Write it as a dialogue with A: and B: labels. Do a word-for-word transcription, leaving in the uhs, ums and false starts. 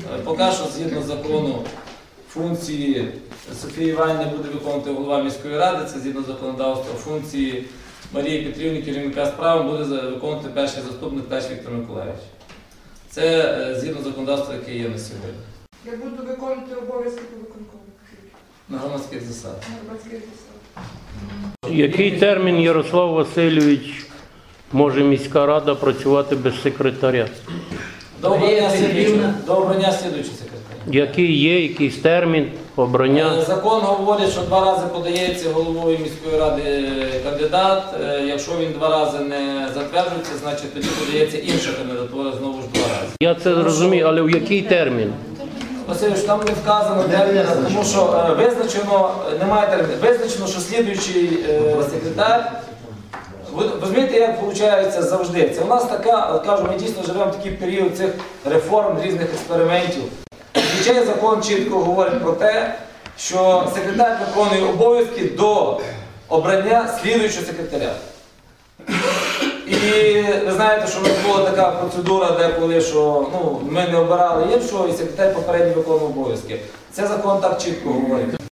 A: Поки що, згідно закону, функції Софії Іванівни буде виконувати голова міської ради, це згідно законодавства, функції Марії Петрівни, керівника справи, буде виконувати перший заступник Тач Віктор Миколаївич. Це згідно законодавства, яке є на сьогодні.
B: Я буду виконувати обов'язки по виконкому.
A: На громадських засадах.
B: На громадських засадах.
C: Який термін, Ярослав Васильович, може міська рада працювати без секретаря?
A: До обрання слідуючого, до обрання слідуючого секретаря.
C: Який є, якийсь термін обрання?
A: Закон говорить, що два рази подається головою міської ради кандидат. Якщо він два рази не затверджується, значить тоді подається інша кандидатура знову ж два рази.
C: Я це зрозумію, але в який термін?
A: Васильович, там не вказано термін, тому що е, визначено, немає терміну, визначено, що слідуючий е, секретар. Ви розумієте, як виходить завжди? Це у нас така, кажу, ми дійсно живемо в такий період цих реформ, різних експериментів. Звичайно, закон чітко говорить про те, що секретар виконує обов'язки до обрання слідуючого секретаря. І ви знаєте, що в нас була така процедура, деколи, що ну, ми не обирали іншого, і секретар попередньо виконував обов'язки. Це закон так чітко говорить.